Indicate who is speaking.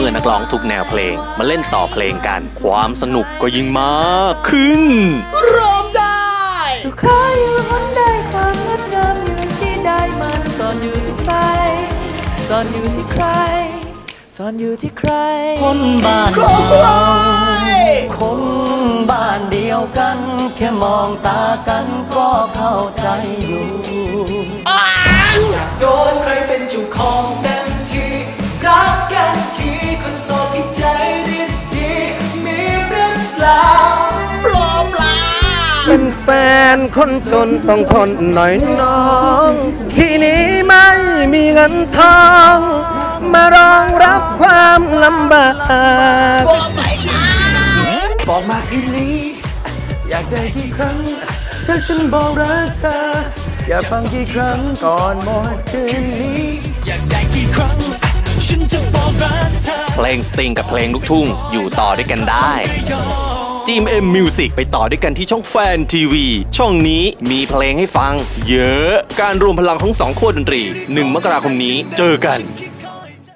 Speaker 1: มื่อนักร้องทุกแนวเพลงมาเล่นต่อเพลงกันความสนุกก็ยิ่งมากขึ้น
Speaker 2: ร้องได้
Speaker 3: สุขอยู่หนใดความงดงามอยู่ที่ใดมันซ่อนอยู่ที่ใครซ่อนอยู่ที่ใครซ่อนอยู่ที่ใครคนบ้านเราคนบ้านเดียวกันแค่มองตากันก็เข้าใจอยู่อยากโดนใครเป็นเจ้าของเต็มที่รักกันที่คนโสดที่ใจดีมีหรือเปล่า
Speaker 2: ปลอมล่ะ
Speaker 4: เป็นแฟนคนจนต้องทนหน่อยน้องที่นี้ไม่มีเงินทองมารองรับความลำบากบอกมาคืนนี้อยากได้กี่ครั้งถ้าฉันบอกรักเธออยากฟังกี่ครั้งก่อนหมดคืนนี้อยากได้กี่ครั้งฉันจะบอกรักเธอ
Speaker 1: เพลงสตริงกับเพลงลูกทุ่งอยู่ต่อด้วยกันได้จีมM Music ไปต่อด้วยกันที่ช่องแฟนทีวีช่องนี้มีเพลงให้ฟังเยอะการรวมพลังของ2ขั้วดนตรี1 มกราคมนี้เจอกัน